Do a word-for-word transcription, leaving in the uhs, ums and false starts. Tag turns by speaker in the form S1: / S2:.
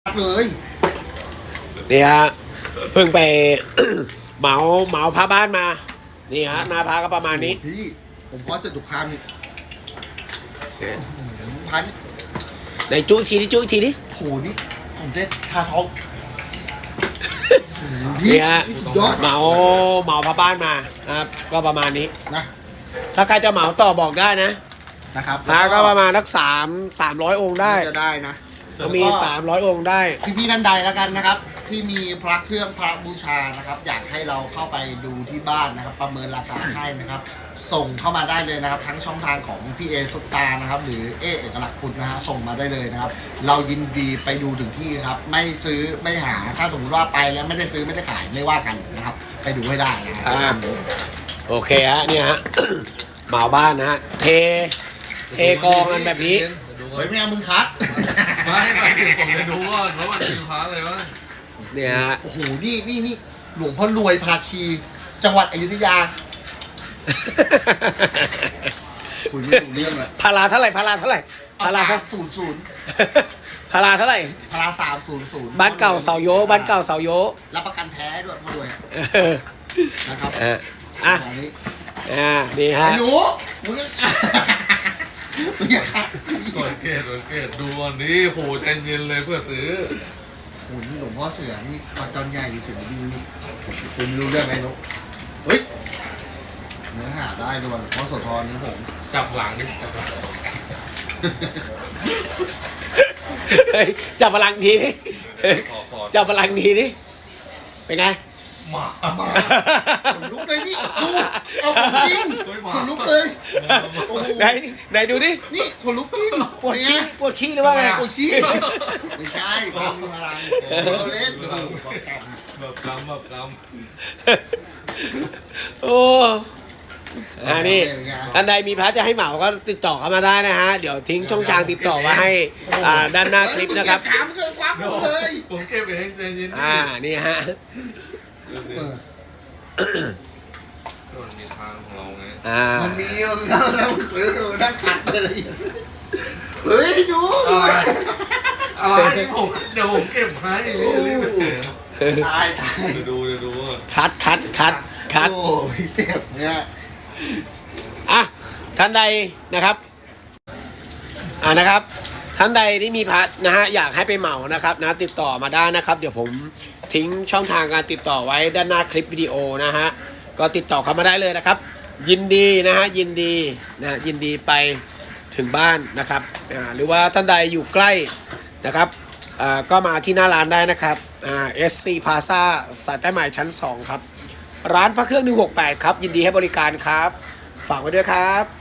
S1: เลย
S2: นี่ฮะเพิ่งไป เหมาเหมาพาบ้านมานี่ฮะหน้าพาก็ประมาณนี้
S1: พี่ผมพอจะดุคามนี่พัน
S2: ในจุ้ทีนี้จุ้ทีนี้
S1: โหนี่ผมได้ทาท้อง
S2: นี่ฮะเหมาเหมาพาบ้านมานะครับก็ประมาณนี้
S1: นะ
S2: ถ้าใครจะเหมาต่อบอกได้นะ
S1: นะครับ
S2: พาก็ประมาณสักสามสามร้อยองค์ได้
S1: จะได้นะ
S2: ก็มีสามร้อยองค์ได้
S1: พี่ๆท่านใดแล้วกันนะครับที่มีพระเครื่องพระบูชานะครับอยากให้เราเข้าไปดูที่บ้านนะครับประเมินราคาให้นะครับส่งเข้ามาได้เลยนะครับทั้งช่องทางของพี่เอซุปตานะครับหรือเอเอกลักษณ์พุทธนะฮะส่งมาได้เลยนะครับเรายินดีไปดูถึงที่ครับไม่ซื้อไม่หาถ้าสมมติว่าไปแล้วไม่ได้ซื้อไม่ได้ขายไม่ว่ากันนะครับไปดูให้ได้นะครับ
S2: โอเคฮะเนี่ยฮะเหมาบ้านนะฮะเทเทกองกันแบบนี้
S1: เฮ้ยไม่เอามึงคัด
S3: ไม่ไม่ถึงผมจะดูว่าแล้วมันเป็นพระอะไรวะ
S2: เนี่ยฮะ
S1: โอ้โหนี่นี่นี่หลวงพ่อรวยพาชีจังหวัดอยุธยาคุยไม่รู้เรื่องเลย
S2: พาราเท่าไหร่พาราเท่าไหร่
S1: พาราศูนย์ศูนย์
S2: พาราเท่าไหร่
S1: พาราสามศูนย์ศูนย์
S2: บ้านเก่าเสาโยบ้านเก่าเสาโย
S1: รับประกันแท้ด้วยพ่อรวยนะครับ
S2: อ่ะอ่ะนี่ฮะ
S1: หนูมึงมึงอยาก
S3: สังเกตสังเกตดูอันนี้โหใจเย็นเลยเพื่อซื้อ
S1: โหนี่หลวงพ่อเสือนี่วัดจอนใหญ่เสือดีนี่คุณรู้เรื่องไหมนุ๊กเฮ้ยเนื้อหาได้ด้วยหลวงพ่อโสธรนี่ผม
S3: จับหลังนี่จับหลัง
S2: เฮ้ยจับพลังทีนี่จับพลังทีนี่เป็นไง
S3: มา
S1: มาขนลุกเลยนี่ดูเอาของจริงขนลุกเลย
S2: ไหนไหนดูดิ
S1: นี่ขนลุกจริง
S2: ปวดขี้ปวดขี้หรือว่าไง
S1: ปวดขี้ไม่ใช่ความมีพลังเล่น
S3: แบบกำแบบก
S2: ำโอ้อันนี้ท่านใดมีพระจะให้เหมาก็ติดต่อเข้ามาได้นะฮะเดี๋ยวทิ้งช่องทางติดต่อไว้ให้ด้านหน้าคลิปนะครับ
S1: ถามเกินความเลย
S3: ผมเก็บเองใจเย็น
S2: อ่านี่ฮะ
S3: มันมีทางของเราไง
S2: อ่า
S1: มันมีแล้วซื้อนั่งขัดเลยเฮ้ยดู
S3: อะไรผมเดี๋ยวผมเก็บให้รีบไปเถอะ
S1: ตายตาย
S3: จะดูจะดู
S2: คัดคัดคัดคัด
S1: โอ้ยเจ็บเนี่ย
S2: อ่ะท่านใดนะครับอ่านะครับท่านใดที่มีพัดนะฮะอยากให้ไปเหมานะครับนะติดต่อมาได้นะครับเดี๋ยวผมทิ้งช่องทางการติดต่อไว้ด้านหน้าคลิปวิดีโอนะฮะก็ติดต่อเข้ามาได้เลยนะครับยินดีนะฮะยินดีนะยินดีไปถึงบ้านนะครับอ่าหรือว่าท่านใดอยู่ใกล้นะครับอ่าก็มาที่หน้าร้านได้นะครับอ่า เอส ซี Plaza สายใต้ใหม่ชั้นสองครับร้านพระเครื่องหนึ่งหกแปดครับยินดีให้บริการครับฝากไว้ด้วยครับ